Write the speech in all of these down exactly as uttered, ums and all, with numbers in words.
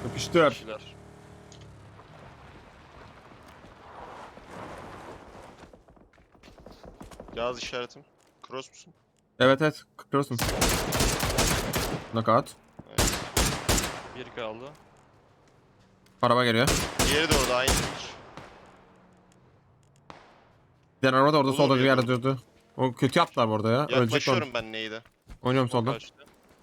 Yapıştır. Kişiler. Yaz işaretim. Cross musun? Evet evet. Cross'um. Knockout. Evet. Bir kaldı. Araba geliyor. Diğeri de orada aynı hiç. Diğer araba da orada Olur solda bir ya, yerde dur. durdu. O kötü yaptılar bu arada ya. Ölecek onu. Yaklaşıyorum ben neydi? Oynuyorum O solda. kaçtı.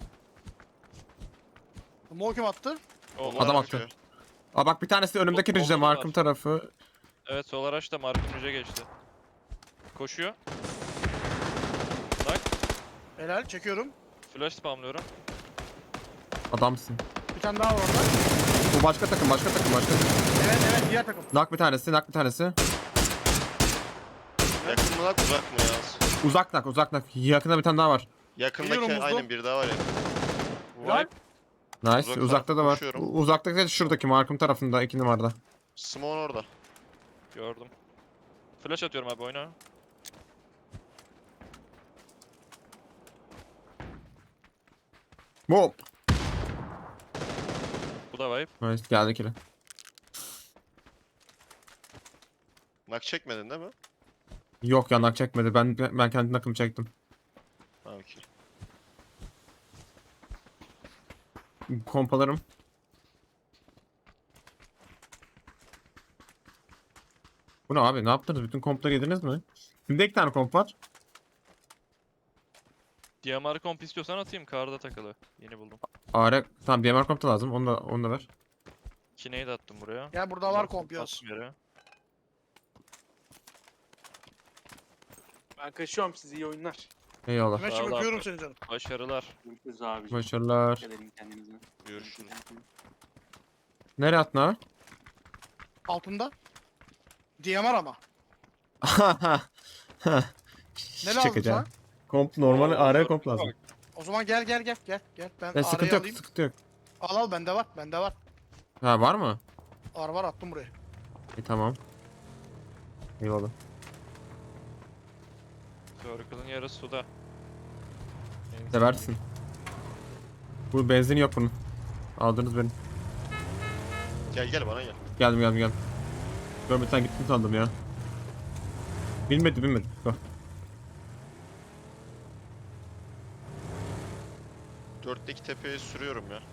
Mol kim attı? O Onlar Adam Mark- attı. Aa bak bir tanesi önümdeki Sol- rinjde solda da markım var. tarafı. Evet sol araç da Mark'ın yüce geçti. Koşuyor. Bak. Helal çekiyorum. Flash spamlıyorum. Adamsın. Bir tane daha var orada. Bu başka takım başka takım başka takım. Evet evet diğer takım. Nak bir tanesi nak bir tanesi. Yakın mı lan uzak mı yaz? Uzak nak uzak nak. Yakında bir tane daha var. Yakındaki Geliyorum Muzlu. aynen bir daha var ya. Lan. Wipe. Nice. Uzak Uzakta taraf da var. koşuyorum. U- Uzaktaki de şuradaki markım tarafında iki numarada. Simon orada. Gördüm. Flash atıyorum abi oyna. Hop. Bu da wipe. Nice geldi kile. Nak çekmedin değil mi? Yok ya nak çekmedi. Ben ben kendi nakımı çektim. Ha okey. Kompalarım. Bu ne abi? Ne yaptınız? Bütün kompları yediniz mi? Şimdi iki tane komp var. D M R komp istiyorsan atayım. Karda takılı. Yeni buldum. Are tamam D M R komp da lazım. Onu da onu da ver. İki nade attım buraya. Ya burada var komp yaz. Attım yere. Ben kaçıyorum, size iyi oyunlar. Eyvallah. Mehmetciğim Sağ ol öpüyorum abi. seni canım. Başarılar. Görüşürüz abiciğim. Başarılar. Dikkat edin kendinize. Görüşürüz. Nereye attın abi? Altında. D M R ama. Ne lazım Çekeceğim. sana? Komp normal Oo, A R çok komp lazım. bak. O zaman gel gel gel gel. Gel ben E, sıkıntı araya yok alayım. sıkıntı yok. Al al bende var bende var. Ha var mı? Var var attım buraya. İyi tamam. Eyvallah. Circle'ın yarısı suda. Benim Seversin. Bu benzin yok bunun. Aldınız beni. Gel gel bana gel. Geldim geldim geldim. Görmeden gittin sandım ya. Bilmedi bilmedi. Bak. Dörtteki tepeye sürüyorum ya.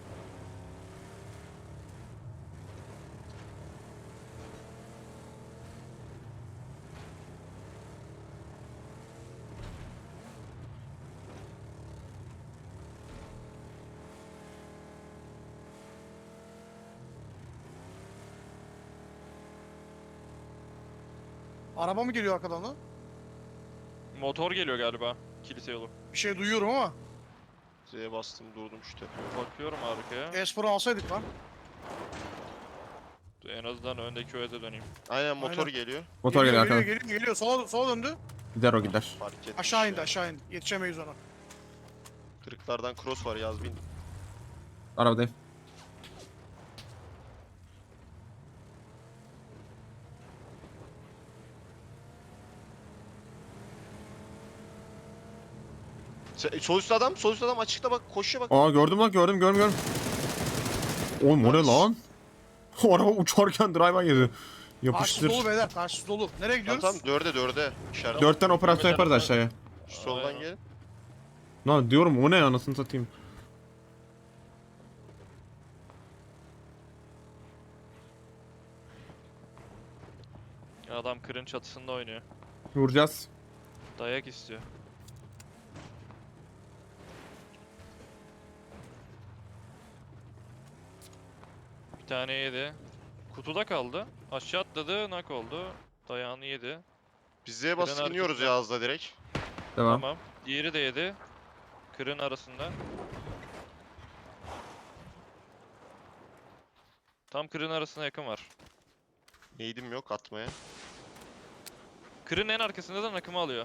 Araba mı geliyor arkadan lan? Motor geliyor galiba. Kilise yolu. Bir şey duyuyorum ama. Z'ye bastım durdum şu tepeye. Bakıyorum arkaya. Espor'u alsaydık lan. En azından öndeki öze döneyim. Aynen motor Aynen. geliyor. Motor geliyor geliyor, arkadan. geliyor, geliyor. Sola, sola döndü. Gider o gider. Fark etmiş Aşağı indi ya. aşağı indi. Yetişemeyiz ona. Kırıklardan cross var yaz bin. Arabadayım. Se- Sol üstte adam, sol üstte adam açıkta bak koşuyor bak. Aa gördüm lan gördüm gördüm gördüm. Oğlum o ne lan? O araba uçarken driver yedi. Karşısı Yapıştır. dolu beyler karşısı dolu. Nereye Tamam gidiyoruz? tamam dörde dörde. İşaret. Dörtten operasyon yaparız aşağıya. Şu soldan Aynen. gelin. Lan diyorum o ne anasını satayım. Adam kırın çatısında oynuyor. Vuracağız. Dayak istiyor. Bir tane yedi. Kutuda kaldı. Aşağı atladı, nak oldu. Dayağını yedi. Biz Z'ye bastık Kırın iniyoruz arkasında. Yaz'da direkt. Devam. Tamam. Diğeri de yedi. Kırın arasında. Tam kırın arasına yakın var. Neydim yok atmaya. Kırın en arkasında da nakımı alıyor.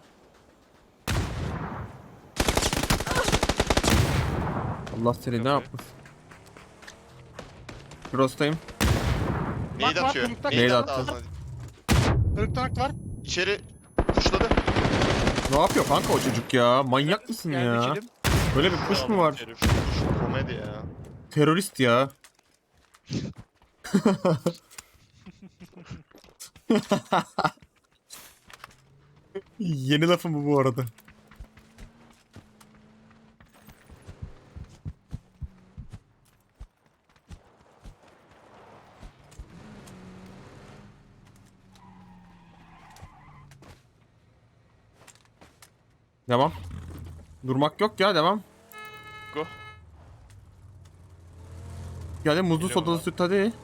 Allah seni ne Kapıyı. yapmasın. Cross'tayım. Neydi bak, atıyor? kırıkta- Neydi Neydi attı attı? ağzına. Kırık tanak var. İçeri kuşladı. Ne yapıyor kanka o çocuk ya? Manyak mısın Geldi ya? içelim. Böyle bir kuş mu var? Herif. Kuş komedi ya. Terörist ya. Yeni lafım bu bu arada. Devam. Durmak yok ya, devam. Go. Geldi muzlu Geliyorum sodalı ben. süt hadi. Geldim.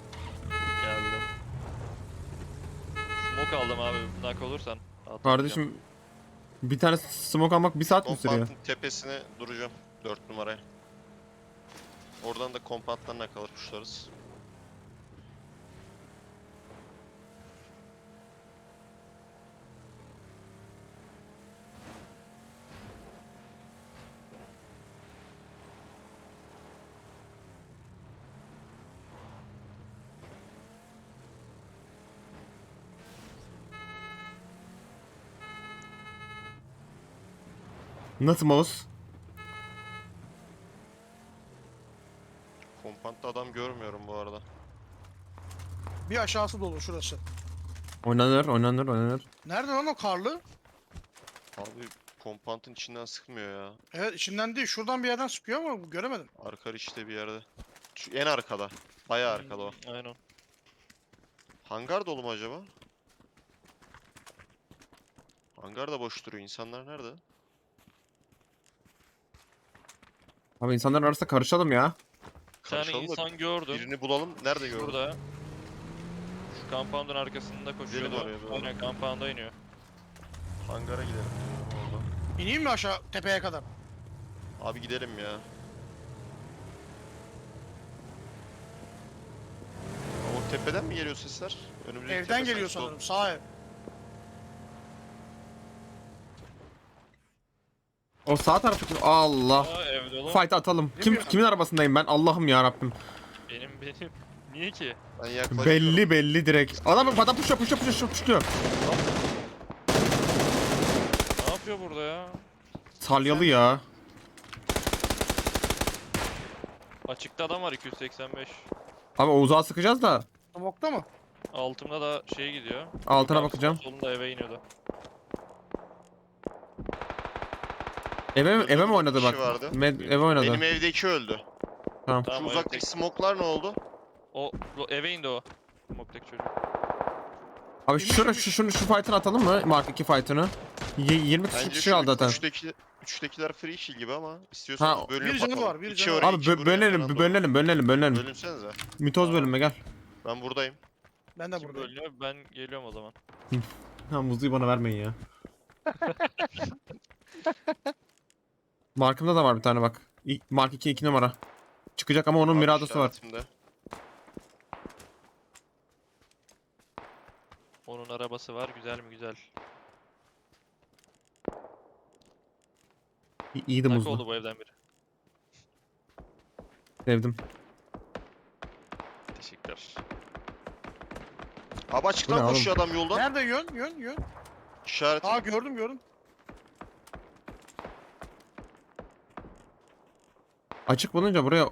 Smoke aldım abi. Nak olursan. atlayacağım. Kardeşim bir tane smoke almak bir saat mi sürüyor? Kompantın tepesine duracağım. dört numaraya. Oradan da kompantlarına kalır kuşlarız. Nasıl mouse? Kompantta adam görmüyorum bu arada. Bir aşağısı dolu şurası. Oynanır, oynanır, oynanır. Nerede lan o karlı? Abi kompantın içinden sıkmıyor ya. Evet içinden değil. Şuradan bir yerden sıkıyor ama göremedim. Arka işte bir yerde. Şu en arkada. Bayağı arkada o. Aynen. Hangar dolu mu acaba? Hangar da boş duruyor. İnsanlar nerede? Abi insanların arasında karışalım ya. Bir tane Karışalım da insan gördüm. birini bulalım. Nerede gördün? Burada. Şu compound'un arkasında koşuyordu. oraya doğru. Aynen compound'a iniyor. Hangara gidelim. Orada. İneyim mi aşağı tepeye kadar? Abi gidelim ya. O tepeden mi geliyor sesler? Önümüzdeki Evden tepe geliyor sanki sol. sanırım. Sağ ev. O sağ taraftaki Allah. Aa ev dolu. Fight atalım. Kim bileyim. kimin arabasındayım ben? Allah'ım ya Rabbim. Benim benim. Niye ki? Ben yaklaşıyorum. Belli belli direkt. Adam adam puşa puşa puşa puşa. Ne yapıyor burada ya? Salyalı ya. Açıkta adam var iki yüz seksen beş. Abi o uzağa sıkacağız da Smoke'ta mı? Altımda da şey gidiyor. altına Yukarı bakacağım. Solunda eve iniyordu. Eve mi, eve mi oynadı kişi bak? vardı. Med, eve oynadı. Benim evdeki öldü. Tamam. Şu Tamam, o uzaktaki evdeki- smoklar ne oldu? O, o eve indi o. Smoke'daki çocuk. Abi şura şu şunu şu fight'ını atalım mı? Mark iki fight'ını. Y- yirmi kişi Bence kişi şu kaldı zaten. üçteki, üçtekiler free kill gibi ama istiyorsanız Ha, bölünüp bir canı atalım. var, bir İki canı var. oraya, Abi iki bö- buraya bölelim falan da bölelim bölelim bölelim. olur. Bölünsenize. Mitoz bölünme gel. Ben buradayım. Ben de Kim buradayım. bölünüyor? Ben geliyorum o zaman. Ha muzluyu bana vermeyin ya. Markımda da var bir tane bak. İ- Mark iki iki numara. Çıkacak ama onun Abi Mirado'su var. işaretimde. Onun arabası var. Güzel mi güzel. İ- İyiydi Nak muzlu. oldu bu evden biri. Sevdim. Teşekkürler. Abi Bu açıktan ne koşuyor adam yoldan. Nerede yön? Yön yön. İşaret. Aa gördüm gördüm. Açık bulunca buraya...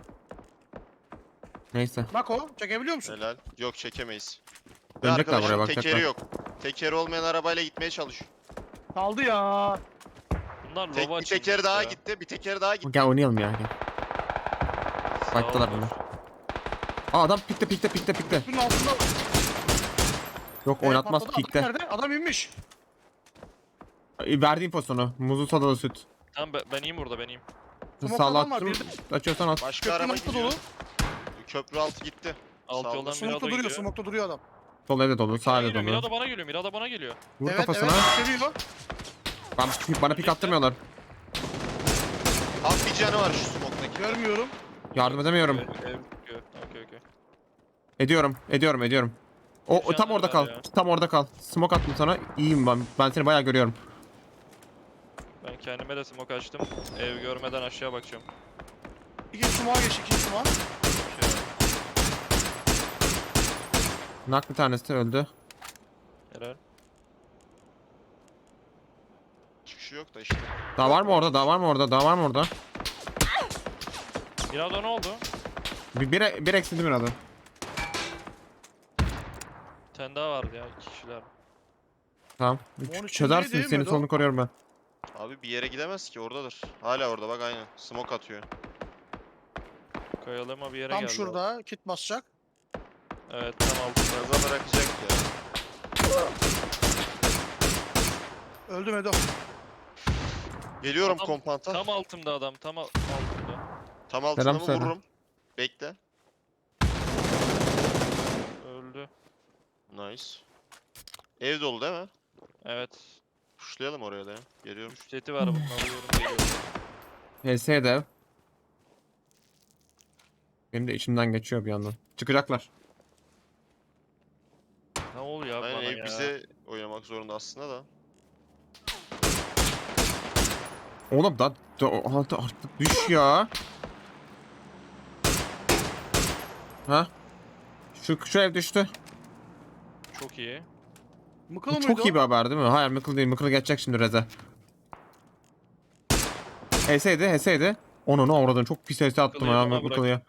Neyse. Bak o. Çekebiliyor musun? Helal. Yok çekemeyiz. Ve Dönecekler arkadaşın buraya, bakacaklar. tekeri yok. Tekeri olmayan arabayla gitmeye çalışıyor. Kaldı ya. Bunlar Tek, lova bir teker açılmış daha ya. gitti. Bir teker daha gitti. Gel oynayalım ya. Gel. Sağ Fight'talar ol. bunlar. Aa adam pikte pikte pikte pikte. Bunun altında. Yok Ee, oynatmaz patladı. Adam pikte. nerede? Adam inmiş. Verdiğim pozisyonu. Muzlu sodalı süt. Tamam ben, ben iyiyim burada ben iyiyim. Smoke Sağla adam var, attım. bir Açıyorsan at. Başka Köprünün araba altı gidiyor. dolu. Köprü altı gitti. Alt Sağ ol. yoldan Smoke'ta Mirado duruyor. gidiyor. Smoke'ta duruyor adam. Sol evde dolu. Sağ evde Geliyor, dolu. Mirado bana geliyor. Mirado bana geliyor. Vur evet kafasına. evet. Seviyor. Ben, bana pik attırmıyorlar. Abi bir canı var şu smoke'daki. Görmüyorum. Yardım edemiyorum. Ev, ev, ev. Okey okey. Ediyorum. Ediyorum. Ediyorum. O, o tam Şu orada an kal. var ya. Tam orada kal. Smoke attım sana. İyiyim ben. Ben seni bayağı görüyorum. Ben kendime de smoke açtım. Ev görmeden aşağı bakacağım. İki sumağa geç. iki sumağa. Bir şey var. Nak bir tanesi öldü. Helal. Çıkışı yok da işte. Daha var mı orada? Daha var mı orada? Daha var mı orada? Mirado ne oldu? Bir, bir, bir eksildi bir adam. Bir tane daha vardı ya iki kişiler. Tamam. Onun Çözersin, içindeydi, senin Medo. solunu koruyorum ben. Abi bir yere gidemez ki, oradadır. Hala orada bak, aynen. Smoke atıyor. Kayalama bir yere Tam geldi. şurada kit basacak. Evet tam altında. Gaza bırakacak ya. Öldü Medo. Geliyorum Adam- kompanta. Tam altımda adam tam al- altımda. Tam altına Selam mı söyle. vururum? Bekle. Öldü. Nice. Ev dolu değil mi? Evet. Pushlayalım oraya da ya. Geliyorum. üç seti var bunun alıyorum geliyorum. H S dev. Benim de içimden geçiyor bir yandan. Çıkacaklar. Ne oluyor abi Aynen, bana ev ya? bize oynamak zorunda aslında da. Oğlum da, da artık artık düş ya. Ha? Şu şu ev düştü. Çok iyi. Mıkılı Bu mıydı çok o? iyi bir haber değil mi? Hayır, Mıkıl değil. Mıkıl geçecek şimdi Reze. H S'ydi, H S'ydi. Onu ne avradın, çok pis H S attım Mıkıl'ı ya bana Mıkıl'ya.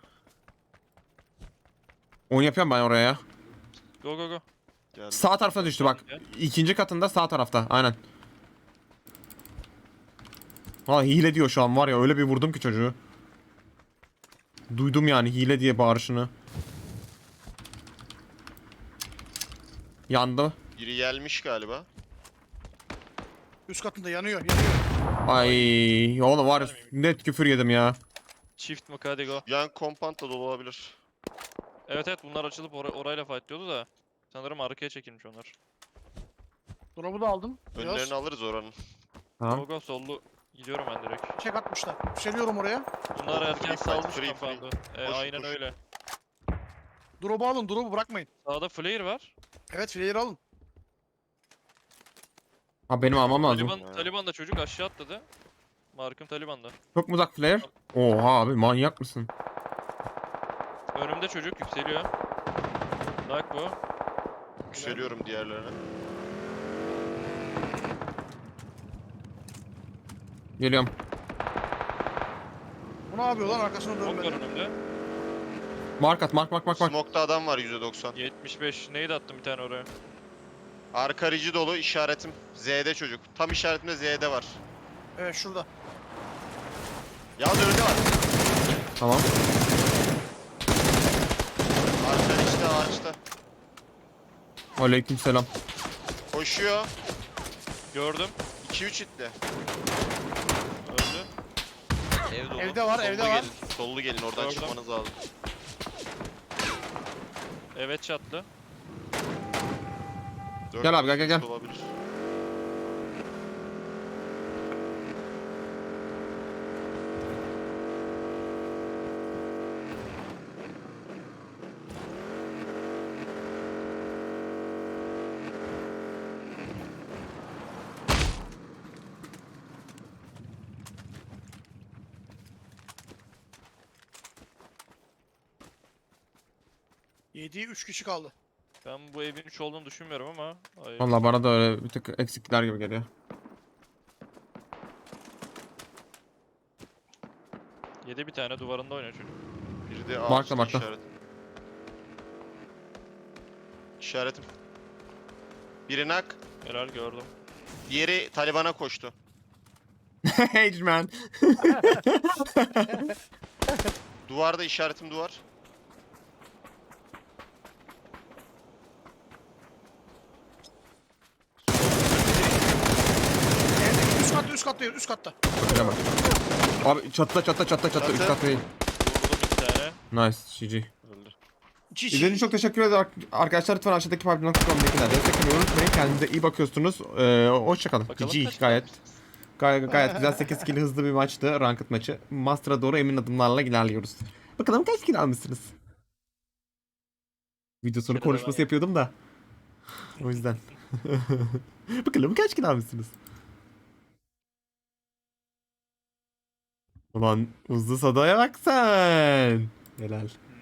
Oyun yapıyorum ben oraya ya. Go go go. Geldim. Sağ tarafına düştü bak. İkinci katında sağ tarafta. Aynen. Ha, hile diyor şu an var ya, öyle bir vurdum ki çocuğu. Duydum yani hile diye bağırışını. Yandı. Biri gelmiş galiba. Üst katında yanıyor yanıyor. Ay oğlum var ya, net küfür yedim ya. Çift mi hadi go. Yan kompant da dolu olabilir. Evet evet bunlar açılıp or orayla fightlıyordu da. Sanırım arkaya çekilmiş onlar. Drop'u da aldım. Biraz Önlerini alırız oranın. Go Tamam. go sollu. Gidiyorum ben direkt. çek atmışlar. Yükseliyorum oraya. Bunlar Free erken fight, salmış free, kapandı. E, Koş, aynen koş. öyle. Drop'u alın, drop'u bırakmayın. Sağda flare var. Evet, fileleri alın. Ha, benim almam lazım. Taliban, Ya. Taliban da çocuk aşağı atladı. Markım Taliban'da. Çok mu uzak flare? Oha abi, manyak mısın? Önümde çocuk yükseliyor. Bak bu. Yükseliyorum diğerlerine. Geliyorum. Bu ne yapıyor lan, arkasına Smoke var dönmedi. önümde. Mark at, mark mark mark mark. Smoke'da adam var yüzde doksan. yetmiş beş. Neydi attım bir tane oraya. Arka rici dolu, işaretim Z'de çocuk. Tam işaretimde Z'de var. Evet, şurada. Yalnız önünde var. Tamam. Arka riçte, ağaçta. Aleykümselam. Koşuyor. Gördüm. iki üç itle. Öldü. Ev dolu. Evde var, Sollu evde var. gelin. Sollu gelin, oradan Gördüm. çıkmanız lazım. Evet çatlı. Dört Gel abi, gel, gel, gel. Olabilir. Yediği üç kişi kaldı. Ben bu evin üç olduğunu düşünmüyorum ama. Ay, Vallahi bana da öyle bir tık eksikler gibi geliyor. yedi bir tane duvarında oynuyor çocuk. Biri de Markla, ağaçta markla. işaret. İşaretim. Biri nak. Helal gördüm. Diğeri Taliban'a koştu. Hey man. Duvarda işaretim duvar. Evdeki üst katta, üst katta, üst katta. Şöyle bak. Abi çatıda çatıda çatıda çatıda üst Çatı. kat değil. Vurdum iki tane. Nice G G. Öldü. İki İzlediğiniz için çok teşekkür ederim ar- arkadaşlar. Lütfen aşağıdaki pubg nokta com linkine destek olmayı unutmayın. Kendinize iyi bakıyorsunuz. Ee, hoşçakalın. Bakalım G G kaç gayet. kalmışız. Gayet, gayet güzel sekiz kill hızlı bir maçtı. Ranked maçı. Master'a doğru emin adımlarla ilerliyoruz. Bakalım kaç kill almışsınız? Video sonu Şöyle konuşması devam. yapıyordum da. O yüzden. Bakalım kaç kill almışsınız? Ulan hızlı sadaya bak sen. Helal.